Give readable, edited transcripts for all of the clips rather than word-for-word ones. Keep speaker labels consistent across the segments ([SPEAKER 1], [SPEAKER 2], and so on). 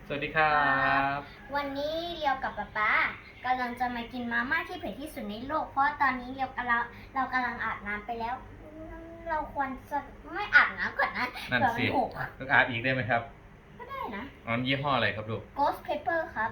[SPEAKER 1] สวัสดีครับ
[SPEAKER 2] วันนี้เรียวกับป๊ากำลังจะมากินมาม่าที่เผ็ดที่สุดในโลกเพราะตอนนี้เรากำลังอาบน้ำไปแล้ว เราควรจะไม่อาบน้ำก่อนนะ
[SPEAKER 1] นั่น
[SPEAKER 2] เดี๋ยว
[SPEAKER 1] สิ
[SPEAKER 2] มันหก
[SPEAKER 1] ต้องอาบอีกได้ไหมครับ
[SPEAKER 2] ก็ได้นะ
[SPEAKER 1] อ๋อยี่ห้ออะไรครับลูก
[SPEAKER 2] Ghost Pepper ครับ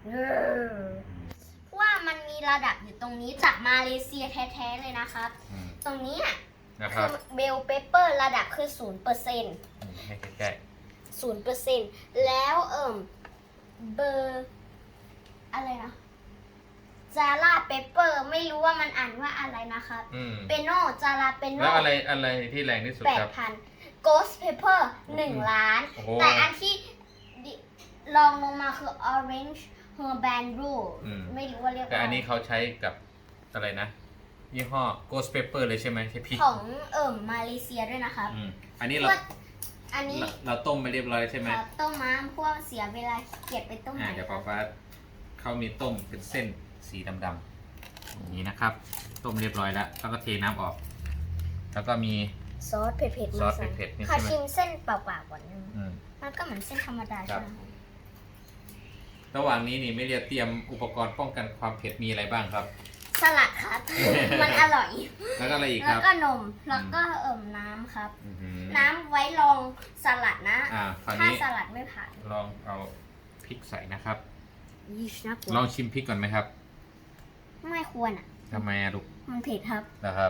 [SPEAKER 2] ว่ามันมีระดับอยู่ตรงนี้จากมาเลเซียแท้ๆเลยนะครับ
[SPEAKER 1] อืม
[SPEAKER 2] ตรงนี้อ่ะ
[SPEAKER 1] นะค
[SPEAKER 2] คื
[SPEAKER 1] รับ
[SPEAKER 2] อเบลเปเปอร์ระดับคือ 0%
[SPEAKER 1] ให้ใกล้
[SPEAKER 2] 0%แล้วเบอร์อะไรนะจาร่าเปเปอร์ไม่รู้ว่ามันอ่านว่าอะไรนะครับ
[SPEAKER 1] ๆ
[SPEAKER 2] เปโนจาราเปโน
[SPEAKER 1] แล้วอะไรที่แรงที่สุดครับ
[SPEAKER 2] 8,000 Ghost Pepper 1 ล้าน
[SPEAKER 1] โอ้โห
[SPEAKER 2] แต่อันที่ลองลงมาคือ Orange Herbanru ไม่รู้ว่าเรียก
[SPEAKER 1] แต่
[SPEAKER 2] ว่า
[SPEAKER 1] อันนี้เขาใช้กับอะไรนะ ยี่ห้อ Ghost Pepper เลยใช่ไหมใช่พริก
[SPEAKER 2] ของมาเลเซียด้วยนะครับ
[SPEAKER 1] อันนี้
[SPEAKER 2] พวกอันนี้
[SPEAKER 1] เราต้มไปเรียบร้อยใช่ไหม
[SPEAKER 2] ครับต้มม้าพวกเสียเวลาเก็บไปต้มใหม่
[SPEAKER 1] เดี๋ยว
[SPEAKER 2] ค
[SPEAKER 1] ป๊า
[SPEAKER 2] รับ
[SPEAKER 1] ฟ้าเขามีต้มเป็นเส้นสีดำๆอย่างนี้นะครับ ต้มเรียบร้อยแล้วก็เทน้ำออก แล้วก็มี
[SPEAKER 2] ซอสเผ็ดๆ
[SPEAKER 1] ซอ
[SPEAKER 2] มา
[SPEAKER 1] ส
[SPEAKER 2] ใส่
[SPEAKER 1] เผ็ดๆนี่
[SPEAKER 2] ขอ
[SPEAKER 1] ใช่ไหม
[SPEAKER 2] ชิมเส้นเปล่าๆก่อนนึง
[SPEAKER 1] อืม
[SPEAKER 2] มันก็เหมือนเส้นธรรมดา
[SPEAKER 1] ครั
[SPEAKER 2] ใช่
[SPEAKER 1] บ
[SPEAKER 2] ไหม
[SPEAKER 1] ระหว่างนี้นี่ไม่เรียเตรียมอุปกรณ์ป้องกันความเผ็ดมีอะไรบ้างครับ
[SPEAKER 2] สลัดครับ มันอร่อย
[SPEAKER 1] แล้วก็อะไรอีกค
[SPEAKER 2] แล้ว
[SPEAKER 1] รับ
[SPEAKER 2] ก็นม แล้วก็น้ำครับ
[SPEAKER 1] อื้อหือ
[SPEAKER 2] น้ำไว้ลองสลัดนะ
[SPEAKER 1] คราว
[SPEAKER 2] ถ้า
[SPEAKER 1] นี้
[SPEAKER 2] สลัดไม่ผ่าน
[SPEAKER 1] ลองเอาพริกใส่นะครับ
[SPEAKER 2] ยี่ชนะก
[SPEAKER 1] ลองชิมพริกก่อนไหมครับ
[SPEAKER 2] ไม่ควรอ่ะ
[SPEAKER 1] ทำไมอะลูก
[SPEAKER 2] มันเผ็ดครับ
[SPEAKER 1] นะครับ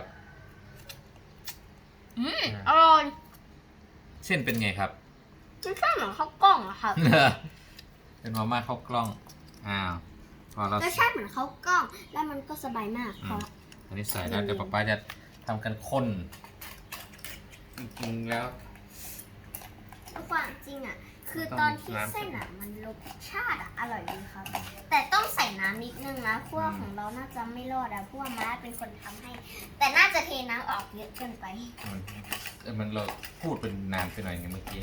[SPEAKER 2] อร่อย
[SPEAKER 1] เส้นเป็นไงครับ
[SPEAKER 2] มันแค่เหมือนข้าวกล้องอะครับ
[SPEAKER 1] เป็นมาม่าข้าวกล้องพอเรา
[SPEAKER 2] รสชาติเหมือนข้าวกล้อง แล้วมันก็สบายมากเพราะ
[SPEAKER 1] อันนี้ใส่แล้วเดี๋ยวป๊าจะทำกันข้นจริงๆแล้ว
[SPEAKER 2] ความจริงอ่ะ คือตอนที่เส้นอ่ะ มันรสชาติอ่ะอร่อยดีครับ แต่ต้องใส่น้ำนิดนึงนะพวกของเราน่าจะไม่รอดอ่ะพวกม้าเป็นคนทำให้ แต่น่าจะเทน้ำออกเยอะเกินไป
[SPEAKER 1] มันเราพูดเป็นนานไปหน่อยไงเมื่อกี้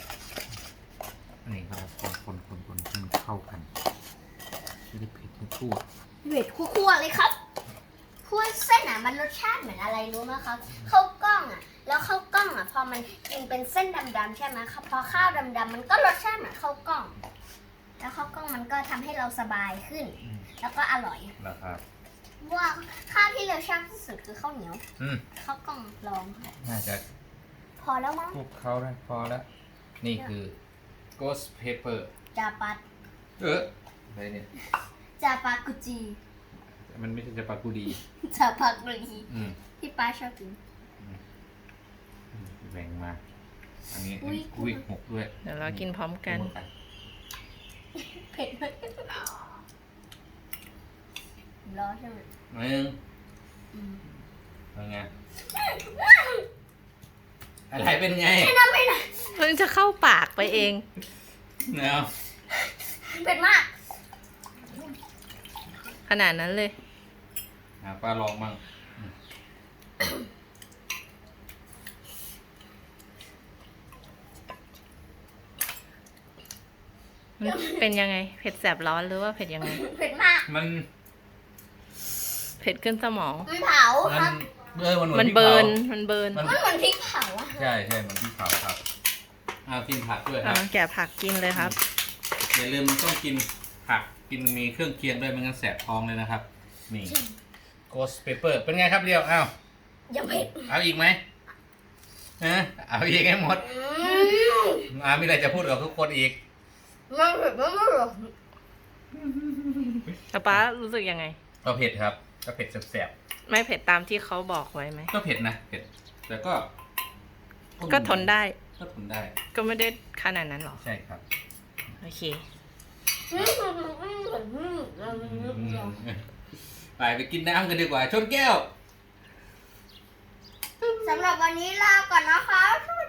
[SPEAKER 1] นี่ครับคนให้มันเข้ากันไม่ได้เผ็ดให้ทั่ว
[SPEAKER 2] เผ็ดคั่วๆเลยครับพวกเส้นอ่ะมันรสชาติเหมือนอะไรรู้ไหมครับข้าวกล้องอ่ะ แล้วข้าวกล้องอ่ะพอมันกินเป็นเส้นดำๆใช่ไหมครับพอข้าวดำๆมันก็รสชาติเหมือนข้าวกล้อง แล้วข้าวกล้องมันก็ทำให้เราสบายขึ้น แล้วก็อร่อย
[SPEAKER 1] นะครับ
[SPEAKER 2] ว่าข้าวที่เราชอบที่สุดคือข้าวเหนียว ข้าวกล้องลอง
[SPEAKER 1] น่าจะ
[SPEAKER 2] พอแล้วมั้ง
[SPEAKER 1] คลุกเขาได้พอแล้ว นี่คือ Ghost Pepper
[SPEAKER 2] จาปัด
[SPEAKER 1] อะไรเนี่ย
[SPEAKER 2] จาปากุจี
[SPEAKER 1] มันไม่ใช่จะปากูดี
[SPEAKER 2] จาปากุจี
[SPEAKER 1] อืม
[SPEAKER 2] ที่ป้าชอบกิน
[SPEAKER 1] แบ่งมา อันนี้
[SPEAKER 2] อุ๊ย
[SPEAKER 1] อุ้ยหกด้วย
[SPEAKER 3] เดี๋ยวเรากินพร้อมกัน
[SPEAKER 2] เผ็ดไหมรอใช่ไหม
[SPEAKER 1] หนึ่ง
[SPEAKER 2] อืม
[SPEAKER 1] เป็นไง อะไรเป็นไง
[SPEAKER 3] เพิ่งจะเข้าปากไปเอง
[SPEAKER 1] เนาะ
[SPEAKER 2] เผ็ดมาก
[SPEAKER 3] ขนาดนั้นเลย
[SPEAKER 1] ป้าลองมั่ง
[SPEAKER 3] มันเป็นยังไง เผ็ดแสบร้อนหรือว่าเผ็ดยังไง
[SPEAKER 2] เผ็ดมาก
[SPEAKER 1] มัน
[SPEAKER 3] เผ็ดขึ้นสมอง
[SPEAKER 2] มันเผาครับ
[SPEAKER 3] มันเบิร์น มันเบิร์น
[SPEAKER 1] มัน
[SPEAKER 2] มันเหมือนพริกเผาอะ
[SPEAKER 1] ใช่มันที่เผาครับกินผักด้วยครับ
[SPEAKER 3] แกะผักกินเลยครับ
[SPEAKER 1] อย่าลืมต้องกินผักกินมีเครื่องเคียงด้วยไม่งั้นแสบท้องเลยนะครับ นี่ Ghost Pepper เป็นไงครับเดียว
[SPEAKER 2] ยังเผ็ด
[SPEAKER 1] เอาอีกไหมเอาอีกให้หมดมีอะไรจะพูดกับทุกคนอีก
[SPEAKER 2] มันเผ็ดมากเลย
[SPEAKER 3] แล้วป้ารู้สึกยังไง
[SPEAKER 1] ก็เผ็ดครับ ก็เผ็ดแสบ
[SPEAKER 3] ไม่เผ็ดตามที่เขาบอกไว้ไหม
[SPEAKER 1] ๆก็เผ็ดนะเผ็ดแต่ก็
[SPEAKER 3] ก็ทนได้
[SPEAKER 1] ก็ทนได้
[SPEAKER 3] ก็ไม่ได้ขนาดนั้นหรอ
[SPEAKER 1] ใช่ครับ
[SPEAKER 3] โอเค
[SPEAKER 1] ไปกินน้ำกันดีกว่าชนแก้ว
[SPEAKER 2] สำหรับวันนี้ลาก่อนนะคะ